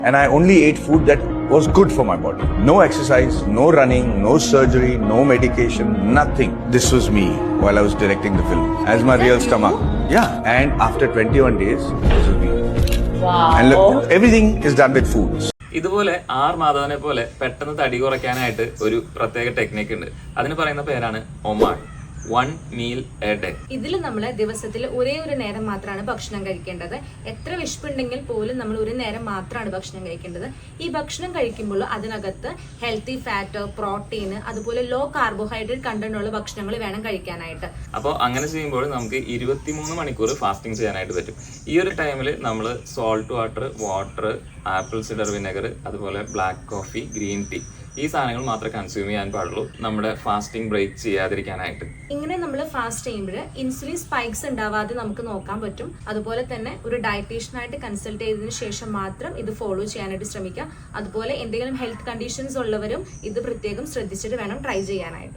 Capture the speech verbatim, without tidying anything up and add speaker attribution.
Speaker 1: And I only ate food that was good for my body. No exercise, no running, no surgery, no medication, nothing. This was me while I was directing the film. As my real stomach. Yeah. And after twenty-one days, this was me.
Speaker 2: Wow.
Speaker 1: And look, everything is done with food.
Speaker 3: ഇതുപോലെ R മാധവനെ പോലെ പെട്ടെന്ന് തടി കുറയ്ക്കാനായിട്ട് ഒരു പ്രത്യേക technique ഉണ്ട്. അതിന് പറയുന്ന പേരാണ് OMAD. One meal a day.
Speaker 2: ഇതിൽ നമ്മൾ ദിവസത്തിൽ ഒരേ ഒരു നേരം മാത്രമാണ് ഭക്ഷണം കഴിക്കേണ്ടത്. എത്ര വിശപ്പുണ്ടെങ്കിൽ പോലും നമ്മൾ ഒരു നേരം മാത്രമാണ് ഭക്ഷണം കഴിക്കേണ്ടത്. ഈ ഭക്ഷണം കഴിക്കുമ്പോൾ അതിനകത്ത് ഹെൽത്തി ഫാറ്റ്, പ്രോട്ടീൻ, അതുപോലെ ലോ കാർബോഹൈഡ്രേറ്റ് കണ്ടന്റ് ഉള്ള ഭക്ഷണങ്ങൾ വേണം കഴിക്കാനായിട്ട്.
Speaker 3: അപ്പോൾ അങ്ങനെ ചെയ്യുമ്പോൾ നമുക്ക് ഇരുപത്തിമൂന്ന് മണിക്കൂർ ഫാസ്റ്റിംഗ് ചെയ്യാനായിട്ട് പറ്റും. ഈ ഒരു ടൈമിൽ നമ്മൾ salt water, water, apple cider vinegar, അതുപോലെ ബ്ലാക്ക് കോഫി, ഗ്രീൻ ടീ, ഈ സാധനങ്ങൾ മാത്രമേ കൺസ്യൂം ചെയ്യാൻ പാടുള്ളൂ നമ്മുടെ ഫാസ്റ്റിംഗ് ബ്രേക്ക് ചെയ്യാതിരിക്കാനായിട്ട്.
Speaker 2: ഇങ്ങനെ നമ്മൾ ഫാസ്റ്റ് ചെയ്യുമ്പോൾ ഇൻസുലിൻ സ്പൈക്സ് ഉണ്ടാവാതെ നമുക്ക് നോക്കാൻ പറ്റും. അതുപോലെ തന്നെ ഒരു ഡയറ്റീഷ്യനായിട്ട് കൺസൾട്ട് ചെയ്തതിനു ശേഷം മാത്രം ഇത് ഫോളോ ചെയ്യാനായിട്ട് ശ്രമിക്കുക. അതുപോലെ എന്തെങ്കിലും ഹെൽത്ത് കണ്ടീഷൻസ് ഉള്ളവരും ഇത് പ്രത്യേകം ശ്രദ്ധിച്ചിട്ട് വേണം ട്രൈ ചെയ്യാനായിട്ട്.